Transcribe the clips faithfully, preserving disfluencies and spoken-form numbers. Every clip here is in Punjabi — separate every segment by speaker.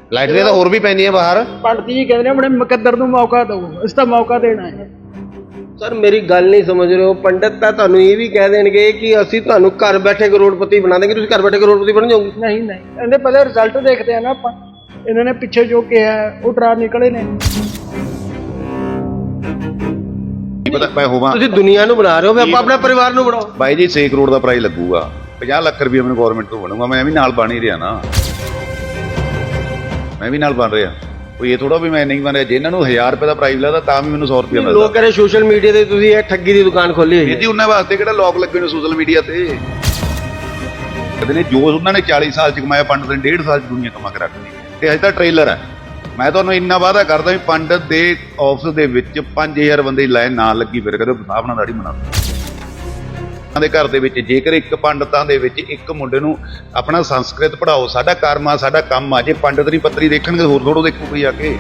Speaker 1: ਲਾਈਟਰੀਆਂ ਤਾਂ ਹੋਰ ਵੀ ਪੈਂਦੀਆਂ ਬਾਹਰ।
Speaker 2: ਪੰਡਤ ਜੀ ਕਹਿੰਦੇ ਨੇ ਆਪਣੇ ਮੁਕੱਦਰ ਨੂੰ ਮੌਕਾ ਦਿਓ, ਇਸ ਦਾ ਮੌਕਾ ਦੇਣਾ ਹੈ।
Speaker 3: ਸਰ ਮੇਰੀ ਗੱਲ ਨਹੀਂ ਸਮਝ ਰਹੇ ਹੋ। ਪੰਡਤ ਤਾਂ ਤੁਹਾਨੂੰ ਇਹ ਵੀ ਕਹਿ ਦੇਣਗੇ ਕਿ ਅਸੀਂ ਤੁਹਾਨੂੰ ਘਰ ਬੈਠੇ ਕਰੋੜਪਤੀ ਬਣਾ ਦੇਂਗੇ, ਤੁਸੀਂ ਘਰ ਬੈਠੇ ਕਰੋੜਪਤੀ ਬਣ ਜਾਓਗੇ।
Speaker 2: ਨਹੀਂ ਨਹੀਂ, ਇਹਦੇ ਪਹਿਲੇ ਰਿਜ਼ਲਟ ਦੇਖਦੇ ਆ ਨਾ ਆਪਾਂ। ਇਹਨਾਂ ਨੇ ਪਿੱਛੇ ਜੋ ਕਿਹਾ ਉਹ ਡਰਾ ਨਿਕਲੇ ਨੇ।
Speaker 1: ਪਤਾ ਮੈਂ ਹੋਵਾਂ
Speaker 3: ਤੁਸੀਂ ਦੁਨੀਆ ਨੂੰ ਬਣਾ ਰਹੇ ਹੋ, ਆਪਾਂ ਆਪਣਾ ਪਰਿਵਾਰ ਨੂੰ ਬਣਾਓ।
Speaker 1: ਬਾਈ ਜੀ ਛੇ ਕਰੋੜ ਦਾ ਪ੍ਰਾਈਜ਼ ਲੱਗੂਗਾ, ਪੰਜਾਹ ਲੱਖ ਰੁਪਏ ਮੈਨੂੰ ਗਵਰਨਮੈਂਟ ਤੋਂ ਬਣੂਗਾ, ਮੈਂ ਵੀ ਨਾਲ ਬਣ ਹੀ ਰਿਹਾ ਨਾ, ਮੈਂ ਵੀ ਨਾਲ ਬਣ ਰਿਹਾ। ਕੋਈ ਇਹ ਥੋੜਾ ਵੀ ਮੈਂ ਨਹੀਂ ਬਣ ਰਿਹਾ। ਜੇ ਇਹਨਾਂ ਨੂੰ ਹਜ਼ਾਰ ਰੁਪਏ ਦਾ ਪ੍ਰਾਈਜ਼ ਲੱਗਦਾ ਤਾਂ ਵੀ ਮੈਨੂੰ ਸੌ ਰੁਪਏ ਮਿਲਦਾ।
Speaker 3: ਲੋਕ ਕਹਿੰਦੇ ਸੋਸ਼ਲ ਮੀਡੀਆ ਤੇ ਤੁਸੀਂ ਇਹ ਠੱਗੀ ਦੀ ਦੁਕਾਨ ਖੋਲੀ ਹੋਈ ਹੈ
Speaker 1: ਜੀ। ਉਹਨਾਂ ਵਾਸਤੇ ਕਿਹੜਾ ਲੋਕ ਲੱਗੇ ਨੇ ਸੋਸ਼ਲ ਮੀਡੀਆ ਤੇ? ਕਹਿੰਦੇ ਨੇ ਜੋ ਉਹਨਾਂ ਨੇ ਚਾਲੀ ਸਾਲ ਚ ਕਮਾਇਆ ਪੰਡਤ ਨੇ ਡੇਢ ਸਾਲ ਚ ਦੁਨੀਆ ਕਮਾ ਕੇ ਰੱਖਦੀ। ਤੇ ਅਜੇ ਤਾਂ ਟ੍ਰੇਲਰ ਹੈ। ਮੈਂ ਤੁਹਾਨੂੰ ਇੰਨਾ ਵਾਅਦਾ ਕਰਦਾ ਵੀ ਪੰਡਤ ਦੇ ਆਫਿਸ ਦੇ ਵਿੱਚ ਪੰਜ ਹਜ਼ਾਰ ਬੰਦੇ ਦੀ ਲਾਈਨ ਨਾ ਲੱਗੀ ਫਿਰ ਕਦੇ ਹਿਸਾਬ ਨਾਲ ਦਾੜੀ ਬਣਾ ਦੇ ਘਰ ਦੇ ਵਿੱਚ। ਜੇਕਰ ਇੱਕ ਪੰਡਤਾਂ ਦੇ ਵਿੱਚ ਇੱਕ ਮੁੰਡੇ ਨੂੰ ਆਪਣਾ ਸੰਸਕ੍ਰਿਤ ਪੜਾਓ, ਸਾਡਾ ਕਰਮ ਆ, ਸਾਡਾ ਕੰਮ ਆ। ਜੇ ਪੰਡਤ ਦੀ ਪੱਤਰੀ ਦੇਖਣਗੇ ਹੋਰ ਥੋੜੋ ਦੇਖੋ ਕੋਈ ਆ ਕੇ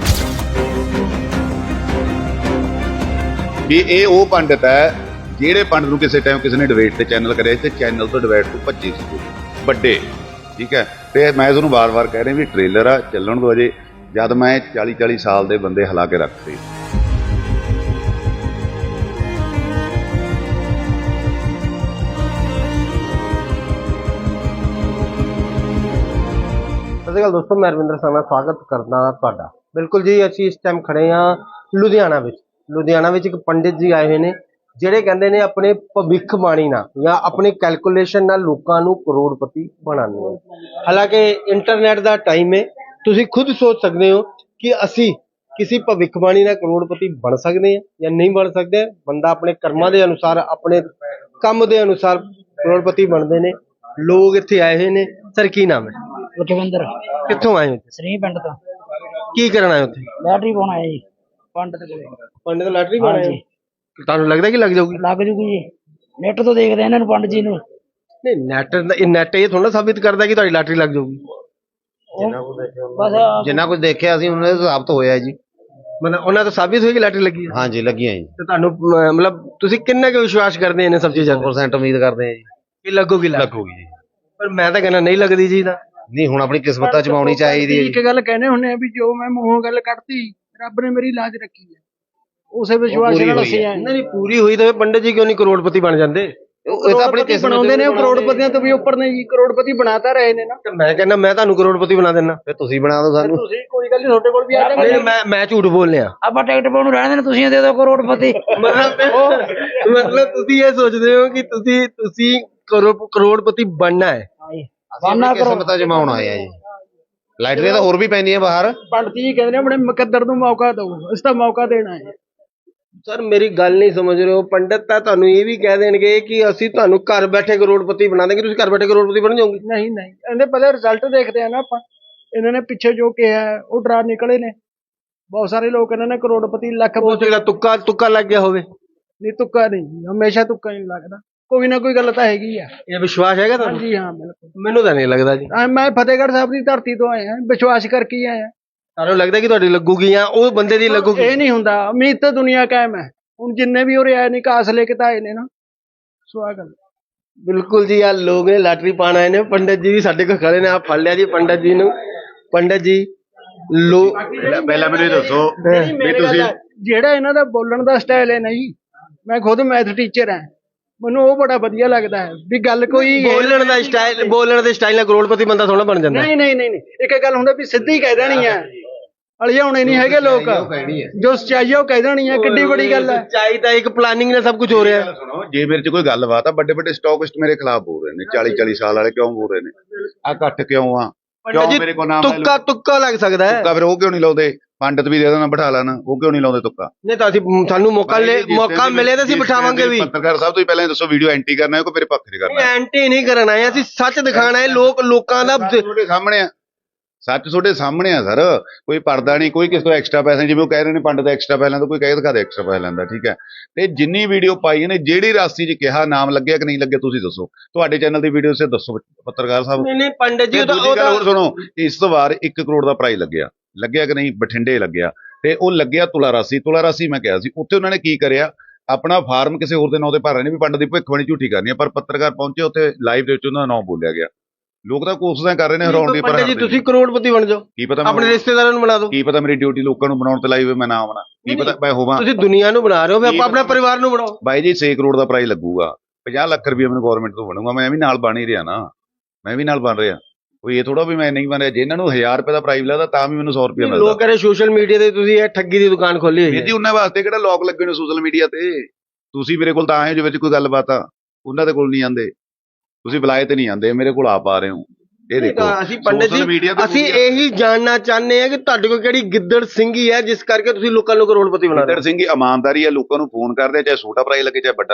Speaker 1: ਵੀ ਇਹ ਉਹ ਪੰਡਤ ਹੈ ਜਿਹੜੇ ਪੰਡਤ ਨੂੰ ਕਿਸੇ ਟਾਈਮ ਕਿਸੇ ਨੇ ਡਿਬੇਟ ਤੇ ਚੈਨਲ ਕਰਿਆ ਤੇ ਚੈਨਲ ਤੋਂ ਡਿਬੇਟ ਤੋਂ ਭੱਜੇ ਸੀ ਵੱਡੇ। ਠੀਕ ਹੈ, ਤੇ ਮੈਂ ਤੁਹਾਨੂੰ ਵਾਰ-ਵਾਰ ਕਹਿ ਰਿਹਾ ਵੀ ਟ੍ਰੇਲਰ ਆ, ਚੱਲਣ ਦੋ। ਅਜੇ ਜਦ ਮੈਂ ਚਾਲੀ ਚਾਲੀ ਸਾਲ ਦੇ ਬੰਦੇ ਹਿਲਾ ਕੇ ਰੱਖਦੇ।
Speaker 3: ਸਤਿ ਸ਼੍ਰੀ ਅਕਾਲ ਦੋਸਤੋ, ਮੈਂ ਰਵਿੰਦਰ ਸਿੰਘ ਸਵਾਗਤ ਕਰਦਾ ਤੁਹਾਡਾ। ਬਿਲਕੁਲ ਜੀ, ਅਸੀਂ ਇਸ ਟਾਈਮ ਖੜੇ ਹਾਂ ਲੁਧਿਆਣਾ ਵਿੱਚ। ਲੁਧਿਆਣਾ ਵਿੱਚ ਇੱਕ ਪੰਡਿਤ ਜੀ ਆਏ ਹੋਏ ਨੇ ਜਿਹੜੇ ਕਹਿੰਦੇ ਨੇ ਆਪਣੇ ਭਵਿੱਖਬਾਣੀ ਨਾਲ ਜਾਂ ਆਪਣੀ ਕੈਲਕੂਲੇਸ਼ਨ ਨਾਲ ਲੋਕਾਂ ਨੂੰ ਕਰੋੜਪਤੀ ਬਣਾਉਣੇ ਹੈ। ਹਾਲਾਂਕਿ ਇੰਟਰਨੈਟ ਦਾ ਟਾਈਮ ਹੈ, ਤੁਸੀਂ ਖੁਦ ਸੋਚ ਸਕਦੇ ਹੋ ਕਿ ਅਸੀਂ ਕਿਸੇ ਭਵਿੱਖਬਾਣੀ ਨਾਲ ਕਰੋੜਪਤੀ ਬਣ ਸਕਦੇ ਹਾਂ ਜਾਂ ਨਹੀਂ ਬਣ ਸਕਦੇ। ਬੰਦਾ ਆਪਣੇ ਕਰਮਾਂ ਦੇ ਅਨੁਸਾਰ, ਆਪਣੇ ਕੰਮ ਦੇ ਅਨੁਸਾਰ ਕਰੋੜਪਤੀ ਬਣਦੇ ਨੇ। ਲੋਕ ਇੱਥੇ ਆਏ ਹੋਏ ਨੇ। ਸਰ ਕੀ ਨਾਮ ਹੈ?
Speaker 2: ਲਖਵਿੰਦਰ।
Speaker 3: ਕਿੱਥੋਂ ਆਏ ਹੋ?
Speaker 2: ਸ੍ਰੀ ਪਿੰਡ ਤੋਂ।
Speaker 3: ਕੀ ਕਰਨ ਆਏ ਉੱਥੇ?
Speaker 2: ਬੈਟਰੀ ਪਾਉਣ ਆਇਆ ਜੀ ਪੰਡਤ ਕੋਲੇ।
Speaker 3: ਪੰਡਤ ਲਾਟਰੀ ਪਾਉਣ ਆਏ? ਤੁਹਾਨੂੰ ਲੱਗਦਾ ਕਿ ਲੱਗ ਜਾਊਗੀ?
Speaker 2: ਲੱਗ ਜੂਗੀ ਜੀ, ਨੈਟ ਤੋਂ ਦੇਖਦੇ ਇਹਨਾਂ ਨੂੰ ਪੰਡਤ ਜੀ ਨੂੰ।
Speaker 3: ਨਹੀਂ, ਨੈਟ ਇਹ ਨੈਟ ਇਹ ਥੋੜਾ ਸਾਬਿਤ ਕਰਦਾ ਕਿ ਤੁਹਾਡੀ ਲਾਟਰੀ ਲੱਗ ਜਾਊਗੀ।
Speaker 2: ਬਸ
Speaker 1: ਜਿੰਨਾ ਕੁਝ ਦੇਖਿਆ ਅਸੀਂ ਉਹਨਾਂ ਦੇ ਸਾਬਤ ਹੋਇਆ ਜੀ।
Speaker 3: ਮਤਲਬ ਉਹਨਾਂ ਤੋਂ ਸਾਬਿਤ ਹੋਈ ਕਿ ਲਾਟਰੀ ਲੱਗੀ ਹੈ?
Speaker 1: ਹਾਂਜੀ ਲੱਗੀਆਂ ਜੀ।
Speaker 3: ਤੇ ਤੁਹਾਨੂੰ ਅਹ, ਮਤਲਬ ਤੁਸੀਂ ਕਿੰਨਾ ਕੁ ਵਿਸ਼ਵਾਸ ਕਰਦੇ ਇਹਨਾਂ ਸਭ ਚੀਜ਼ਾਂ
Speaker 1: ਸੌ ਪਰਸੈਂਟ ਉਮੀਦ ਕਰਦੇ ਆ ਜੀ
Speaker 3: ਕਿ ਲੱਗੂਗੀ?
Speaker 1: ਲੱਗੂਗੀ ਜੀ।
Speaker 3: ਪਰ ਮੈਂ ਤਾਂ ਕਹਿੰਦਾ ਨਹੀਂ ਲੱਗਦੀ ਜੀ। ਨਾ
Speaker 1: ਨਹੀਂ, ਹੁਣ ਆਪਣੀ ਕਿਸਮਤਾਂ ਚਮਾਉਣੀ ਚਾਹੀਦੀ ਹੈ ਜੀ।
Speaker 2: ਇੱਕ ਗੱਲ ਕਹਿੰਦੇ ਹੁੰਦੇ ਆ ਵੀ ਜੋ ਮੈਂ ਮੂੰਹੋਂ ਗੱਲ ਕੱਢਤੀ ਰੱਬ ਨੇ ਮੇਰੀ ਲਾਜ ਰੱਖੀ ਹੈ, ਉਸੇ ਵਿਸ਼ਵਾਸ ਨਾਲ ਅਸੀਂ ਆਏ।
Speaker 3: ਨਹੀਂ ਪੂਰੀ ਹੋਈ ਤਾਂ ਪੰਡਿਤ ਜੀ ਕਿਉਂ ਨਹੀਂ ਕਰੋੜਪਤੀ ਬਣ ਜਾਂਦੇ?
Speaker 1: ਇਹ ਤਾਂ ਆਪਣੀ ਕਿਸਮਤ
Speaker 2: ਬਣਾਉਂਦੇ ਨੇ, ਉਹ ਕਰੋੜਪਤੀਆਂ ਤੋਂ ਵੀ ਉੱਪਰ ਨੇ ਜੀ। ਕਰੋੜਪਤੀ ਬਣਾਤਾ ਰਹੇ ਨੇ ਨਾ।
Speaker 3: ਤੇ ਮੈਂ ਕਹਿੰਦਾ ਮੈਂ ਤੁਹਾਨੂੰ ਕਰੋੜਪਤੀ ਬਣਾ ਦੇਣਾ।
Speaker 1: ਫਿਰ ਤੁਸੀਂ ਬਣਾ ਦਿਓ ਸਾਨੂੰ।
Speaker 2: ਤੁਸੀਂ ਕੋਈ ਗੱਲ ਨਹੀਂ, ਤੁਹਾਡੇ ਕੋਲ ਵੀ ਆ ਜਾਵਾਂਗੇ।
Speaker 3: ਨਹੀਂ, ਮੈਂ ਮੈਂ ਝੂਠ ਬੋਲਿਆ।
Speaker 2: ਆਪਾਂ ਟਿਕਟ ਪਾਉਣ ਨੂੰ ਰਹਿਣ ਦੇਣਾ, ਤੁਸੀਂ ਦੇ ਦਿਓ ਕਰੋੜਪਤੀ।
Speaker 3: ਮਤਲਬ ਮਤਲਬ ਤੁਸੀਂ ਇਹ ਸੋਚਦੇ ਹੋ ਕਿ ਤੁਸੀਂ ਤੁਸੀਂ ਕਰੋ ਕਰੋੜਪਤੀ ਬਣਨਾ ਹੈ?
Speaker 2: ਬਾਨਾ ਕਰੋ।
Speaker 1: ਕਿਸਮਤਾਂ ਜਮਾਉਣ ਆਏ ਆ ਜੀ। ਲਾਈਟਰੀਆਂ ਤਾਂ ਹੋਰ ਵੀ ਪੈਂਦੀਆਂ ਬਾਹਰ।
Speaker 2: ਪੰਡਤ ਜੀ ਕਹਿੰਦੇ ਨੇ ਆਪਣੇ ਮੁਕੱਦਰ ਨੂੰ ਮੌਕਾ ਦਿਓ, ਇਸ ਦਾ ਮੌਕਾ ਦੇਣਾ ਹੈ।
Speaker 3: ਸਰ ਮੇਰੀ ਗੱਲ ਨਹੀਂ ਸਮਝ ਰਹੇ ਹੋ। ਪੰਡਤ ਤਾਂ ਤੁਹਾਨੂੰ ਇਹ ਵੀ ਕਹਿ ਦੇਣਗੇ ਕਿ ਅਸੀਂ ਤੁਹਾਨੂੰ ਘਰ ਬੈਠੇ ਕਰੋੜਪਤੀ ਬਣਾ ਦੇਂਗੇ, ਤੁਸੀਂ ਘਰ ਬੈਠੇ ਕਰੋੜਪਤੀ ਬਣ ਜਾਓਗੇ।
Speaker 2: ਨਹੀਂ ਨਹੀਂ, ਇਹਦੇ ਪਹਿਲੇ ਰਿਜ਼ਲਟ ਦੇਖਦੇ ਆ ਨਾ ਆਪਾਂ। ਇਹਨਾਂ ਨੇ ਪਿੱਛੇ ਜੋ ਕਿਹਾ ਉਹ ਡਰਾ ਨਿਕਲੇ ਨੇ। ਬਹੁਤ ਸਾਰੇ ਲੋਕ ਇਹਨਾਂ ਨੇ ਕਰੋੜਪਤੀ ਲੱਖ।
Speaker 3: ਹੋ ਸਕਦਾ ਤੁੱਕਾ ਤੁੱਕਾ ਲੱਗ ਗਿਆ ਹੋਵੇ।
Speaker 2: ਨਹੀਂ, ਤੁੱਕਾ ਨਹੀਂ, ਹਮੇਸ਼ਾ ਤੁੱਕਾ ਨਹੀਂ ਲੱਗਦਾ। ਕੋਈ ਨਾ ਕੋਈ ਗੱਲ ਤਾਂ ਹੈਗੀ ਆ।
Speaker 3: ਇਹ ਵਿਸ਼ਵਾਸ ਹੈਗਾ ਤੁਹਾਨੂੰ?
Speaker 2: ਹਾਂਜੀ ਹਾਂ, ਬਿਲਕੁਲ।
Speaker 3: ਮੈਨੂੰ ਤਾਂ ਨਹੀਂ ਲੱਗਦਾ ਜੀ।
Speaker 2: ਆ ਮੈਂ ਫਤਿਹਗੜ੍ਹ ਸਾਹਿਬ ਦੀ ਧਰਤੀ ਤੋਂ ਆਇਆ, ਵਿਸ਼ਵਾਸ ਕਰਕੇ ਆਇਆ।
Speaker 3: ਤੁਹਾਨੂੰ ਲੱਗਦਾ ਕਿ ਤੁਹਾਡੀ ਲੱਗੂਗੀ ਜਾਂ ਉਹ ਬੰਦੇ ਦੀ ਲੱਗੂਗੀ?
Speaker 2: ਇਹ ਨਹੀਂ ਹੁੰਦਾ, ਉਮੀਦ ਤਾਂ ਦੁਨੀਆ ਕਾਇਮ ਹੈ। ਹੁਣ ਜਿੰਨੇ ਵੀ ਉਰੇ ਆਏ ਨੇ ਕਾਸ ਲੈ ਕੇ ਤਾਂ ਆਏ ਨੇ ਨਾ। ਸਵਾਗਤ।
Speaker 3: ਬਿਲਕੁਲ ਜੀ, ਆ ਲੋਕ ਨੇ ਲਾਟਰੀ ਪਾਣ ਆਏ ਨੇ। ਪੰਡਤ ਜੀ ਵੀ ਸਾਡੇ ਕੋਲ ਖੜੇ ਨੇ। ਆ ਫੜ ਲਿਆ ਜੀ ਪੰਡਤ ਜੀ ਨੂੰ। ਪੰਡਤ ਜੀ ਲੋ
Speaker 1: ਪਹਿਲਾਂ ਮੈਨੂੰ ਇਹ ਦੱਸੋ ਵੀ ਤੁਸੀਂ
Speaker 2: ਜਿਹੜਾ ਇਹਨਾਂ ਦਾ ਬੋਲਣ ਦਾ ਸਟਾਈਲ ਹੈ ਨਾ ਜੀ, ਮੈਂ ਖੁਦ ਮੈਥ ਟੀਚਰ ਹਾਂ, ਮੈਨੂੰ ਉਹ ਬੜਾ ਵਧੀਆ ਲੱਗਦਾ ਹੈ ਵੀ ਗੱਲ ਕੋਈ
Speaker 3: ਬੋਲਣ ਦਾ ਸਟਾਈਲ, ਬੋਲਣ ਦੇ ਸਟਾਈਲ ਨਾਲ ਕਰੋੜਪਤੀ ਬੰਦਾ ਥੋੜਾ ਬਣ ਜਾਂਦਾ।
Speaker 2: ਨਹੀਂ ਨਹੀਂ ਨਹੀਂ, ਇੱਕ ਗੱਲ ਹੁੰਦਾ ਵੀ ਸਿੱਧੀ ਕਹਿ ਦੇਣੀ ਹੈ, ਅਲਝਾਉਣੇ ਨਹੀਂ ਹੈਗੇ ਲੋਕ। ਜੋ ਸੱਚਾਈ ਹੈ ਉਹ ਕਹਿ ਦੇਣੀ ਹੈ, ਕਿੱਡੀ ਬੜੀ ਗੱਲ ਹੈ।
Speaker 3: ਸੱਚਾਈ ਤਾਂ ਇੱਕ ਪਲਾਨਿੰਗ ਨਾਲ ਸਭ ਕੁਝ ਹੋ ਰਿਹਾ ਹੈ।
Speaker 1: ਸੁਣੋ, ਜੇ ਮੇਰੇ ਚ ਕੋਈ ਗੱਲਬਾਤ ਆ, ਵੱਡੇ ਵੱਡੇ ਸਟਾਕਿਸਟ ਮੇਰੇ ਖਿਲਾਫ ਬੋਲ ਰਹੇ ਨੇ। ਚਾਲੀ ਚਾਲੀ ਸਾਲ ਵਾਲੇ ਕਿਉਂ ਬੋਲ ਰਹੇ ਨੇ? ਆ ਘੱਟ ਕਿਉਂ ਆ? ਕਿਉਂ ਮੇਰੇ ਕੋਲ ਨਾਮ
Speaker 3: ਤੁੱਕਾ ਤੁੱਕਾ ਲੱਗ ਸਕਦਾ ਹੈ।
Speaker 1: ਤੁੱਕਾ ਫਿਰ ਉਹ ਕਿਉਂ ਨਹੀਂ ਲਾਉਂਦੇ? ਪੰਡਤ ਵੀ ਦੇ ਦੇਣਾ ਬਿਠਾ ਲੈਣਾ, ਉਹ ਕਿਉਂ ਨਹੀਂ ਲਾਉਂਦੇ ਤੁੱਕਾ?
Speaker 3: ਨਹੀਂ ਤਾਂ ਅਸੀਂ ਸਾਨੂੰ ਮੌਕਾ ਲੈ ਮੌਕਾ ਮਿਲੇ ਤਾਂ ਅਸੀਂ ਬਿਠਾਵਾਂਗੇ ਵੀ।
Speaker 1: ਪੱਤਰਕਾਰ ਸਾਹਿਬ, ਤੁਸੀਂ ਪਹਿਲਾਂ ਦੱਸੋ ਵੀਡੀਓ ਐਂਟੀ ਕਰਨਾ ਹੈ ਕਿ ਮੇਰੇ ਪੱਖ ਦੀ ਕਰਨਾ ਹੈ?
Speaker 3: ਐਂਟੀ ਨਹੀਂ ਕਰਨਾ ਹੈ, ਅਸੀਂ ਸੱਚ ਦਿਖਾਣਾ ਹੈ। ਲੋਕ ਲੋਕਾਂ ਦਾ
Speaker 1: ਤੁਹਾਡੇ ਸਾਹਮਣੇ ਆ, ਸੱਚ ਤੁਹਾਡੇ ਸਾਹਮਣੇ ਆ ਸਰ। ਕੋਈ ਪਰਦਾ ਨਹੀਂ, ਕੋਈ ਕਿਸੇ ਤੋਂ ਐਕਸਟਰਾ ਪੈਸੇ, ਜਿਵੇਂ ਉਹ ਕਹਿ ਰਹੇ ਨੇ ਪੰਡਤ ਦਾ ਐਕਸਟਰਾ ਪੈਸੇ ਲੈਂਦਾ, ਕੋਈ ਕਹਿ ਦਿਖਾ ਦੇ ਐਕਸਟਰਾ ਪੈਸੇ ਲੈਂਦਾ। ਠੀਕ ਹੈ, ਤੇ ਜਿੰਨੀ ਵੀਡੀਓ ਪਾਈ ਨੇ, ਜਿਹੜੀ ਰਾਸੀ 'ਚ ਕਿਹਾ ਨਾਮ ਲੱਗਿਆ ਕਿ ਨਹੀਂ ਲੱਗਿਆ ਤੁਸੀਂ ਦੱਸੋ। ਤੁਹਾਡੇ ਚੈਨਲ ਦੀ ਵੀਡੀਓ 'ਚ ਦੱਸੋ ਪੱਤਰਕਾਰ ਸਾਹਿਬ।
Speaker 3: ਨਹੀਂ ਨਹੀਂ ਪੰਡਤ ਜੀ,
Speaker 1: ਦੂਜੀ ਗੱਲ ਹੋਰ ਸੁਣੋ, ਇਸ ਵਾਰ ਇੱਕ ਕਰੋੜ ਦਾ ਪ੍ਰਾਈਜ਼ ਲੱਗਿਆ ਲੱਗਿਆ ਕਿ ਨਹੀਂ? ਬਠਿੰਡੇ ਲੱਗਿਆ, ਤੇ ਉਹ ਲੱਗਿਆ ਤੁਲਾ ਰਾਸੀ। ਤੁਲਾ ਰਾਸੀ ਮੈਂ ਕਿਹਾ ਸੀ, ਉੱਥੇ ਉਹਨਾਂ ਨੇ ਕੀ ਕਰਿਆ, ਆਪਣਾ ਫਾਰਮ ਕਿਸੇ ਹੋਰ ਦੇ ਨਾਂ ਤੇ ਭਰ ਰਹੇ ਨੇ ਵੀ ਪੰਡਤ ਦੀ ਭਵਿੱਖਬਾਣੀ ਝੂਠੀ ਕਰਨੀ ਹੈ। ਪਰ ਪੱਤਰਕਾਰ ਪਹੁੰਚੇ ਉੱਥੇ, ਲਾਈਵ ਦੇ ਵਿੱਚ ਉਹਨਾਂ ਦਾ ਨਾਮ ਬੋਲਿਆ ਗਿਆ। ਲੋਕ ਤਾਂ ਕੋਸ਼ਿਸ਼ਾਂ ਕਰ ਰਹੇ ਨੇ ਹਰਾਉਣ ਦੀ, ਪਰ
Speaker 3: ਪੰਡਿਤ ਜੀ
Speaker 1: ਹਾਰਦੇ
Speaker 3: ਤੁਸੀਂ
Speaker 1: ਨਹੀਂ।
Speaker 3: ਕਰੋੜਪਤੀ ਬਣ ਜਾਓ,
Speaker 1: ਕੀ ਪਤਾ
Speaker 3: ਆਪਣੇ
Speaker 1: ਮੈਂ
Speaker 3: ਰਿਸ਼ਤੇਦਾਰਾਂ ਨੂੰ ਬਣਾ ਦਿਓ।
Speaker 1: ਕੀ ਪਤਾ ਮੇਰੀ ਡਿਊਟੀ ਲੋਕਾਂ ਨੂੰ ਬਣਾਉਣ ਤੇ ਲਾਈ ਹੋਵੇ, ਮੈਂ ਨਾ ਬਣਾ, ਕੀ
Speaker 3: ਨਹੀਂ,
Speaker 1: ਪਤਾ ਮੈਂ ਹੋਵਾਂ।
Speaker 3: ਤੁਸੀਂ ਦੁਨੀਆ ਨੂੰ ਬਣਾ ਰਹੇ ਹੋ, ਫਿਰ ਆਪਾਂ ਆਪਣਾ ਪਰਿਵਾਰ ਨੂੰ ਬਣਾਓ।
Speaker 1: ਬਾਈ ਜੀ ਛੇ ਕਰੋੜ ਦਾ ਪ੍ਰਾਈਜ਼ ਲੱਗੂਗਾ, ਪੰਜਾਹ ਲੱਖ ਰੁਪਏ ਮੈਨੂੰ ਗਵਰਨਮੈਂਟ ਤੋਂ ਬਣੂਗਾ, ਮੈਂ ਵੀ ਨਾਲ ਬਣ ਹੀ ਰਿਹਾ ਨਾ, ਮੈਂ ਵੀ ਨਾਲ ਬਣ ਰਿਹਾ। ਕੋਈ ਇਹ ਥੋੜਾ ਵੀ ਮੈਂ ਨਹੀਂ ਬਣ ਰਿਹਾ। ਜੇ ਇਹਨਾਂ ਨੂੰ ਹਜ਼ਾਰ ਰੁਪਏ ਦਾ ਪ੍ਰਾਈਜ਼ ਲੱਗਦਾ ਤਾਂ ਵੀ ਮੈਨੂੰ ਸੌ ਰੁਪਏ ਮਿਲਦਾ।
Speaker 3: ਲੋਕ ਕਹਿੰਦੇ ਸੋਸ਼ਲ ਮੀਡੀਆ ਤੇ ਤੁਸੀਂ ਇਹ ਠੱਗੀ ਦੀ ਦੁਕਾਨ ਖੋਲੀ ਹੋਈ
Speaker 1: ਵੀਰ
Speaker 3: ਹੈ।
Speaker 1: ਜੀ ਉਹਨਾਂ ਵਾਸਤੇ ਕਿਹੜਾ ਲੋਕ ਲੱਗੇ ਨੇ ਸੋਸ਼ਲ ਮੀਡੀਆ ਤੇ? ਤੁਸੀਂ ਮੇਰੇ ਕੋਲ ਤਾਂ ਆਏ ਹੋ ਜੇ ਵਿੱਚ ਕੋਈ ਗੱਲਬਾਤ ਆ, ਉਹਨਾਂ ਦੇ ਕੋਲ ਨਹੀਂ ਆਉਂਦੇ, ਤੁਸੀਂ ਬੁਲਾਏ ਤੇ ਨਹੀਂ ਆਉਂਦੇ, ਮੇਰੇ ਕੋਲ ਆਪ ਆ ਰਹੇ ਹੋ। ਇਹ ਦੇਖੋ
Speaker 3: ਅਸੀਂ ਪੰਡਿਤ
Speaker 1: social media
Speaker 3: ਜੀ
Speaker 1: ਤੇ
Speaker 3: ਅਸੀਂ
Speaker 1: ਪੂਰੀ-
Speaker 3: ਇਹੀ ਜਾਣਨਾ ਚਾਹੁੰਦੇ ਹਾਂ ਕਿ ਤੁਹਾਡੇ ਕੋਲ ਕਿਹੜੀ ਗਿੱਦੜ ਸਿੰਘੀ ਹੈ ਜਿਸ ਕਰਕੇ ਤੁਸੀਂ ਲੋਕਾਂ ਨੂੰ ਕਰੋੜਪਤੀ ਬਣਾ ਰਹੇ
Speaker 1: ਗਿੱਦੜ
Speaker 3: ਹੋ।
Speaker 1: ਸਿੰਘ ਇਮਾਨਦਾਰੀ ਆ, ਲੋਕਾਂ ਨੂੰ ਫੋਨ ਕਰਦੇ, ਚਾਹੇ ਛੋਟਾ ਪ੍ਰਾਈਜ਼ ਲੱਗੇ ਚਾਹੇ ਵੱਡਾ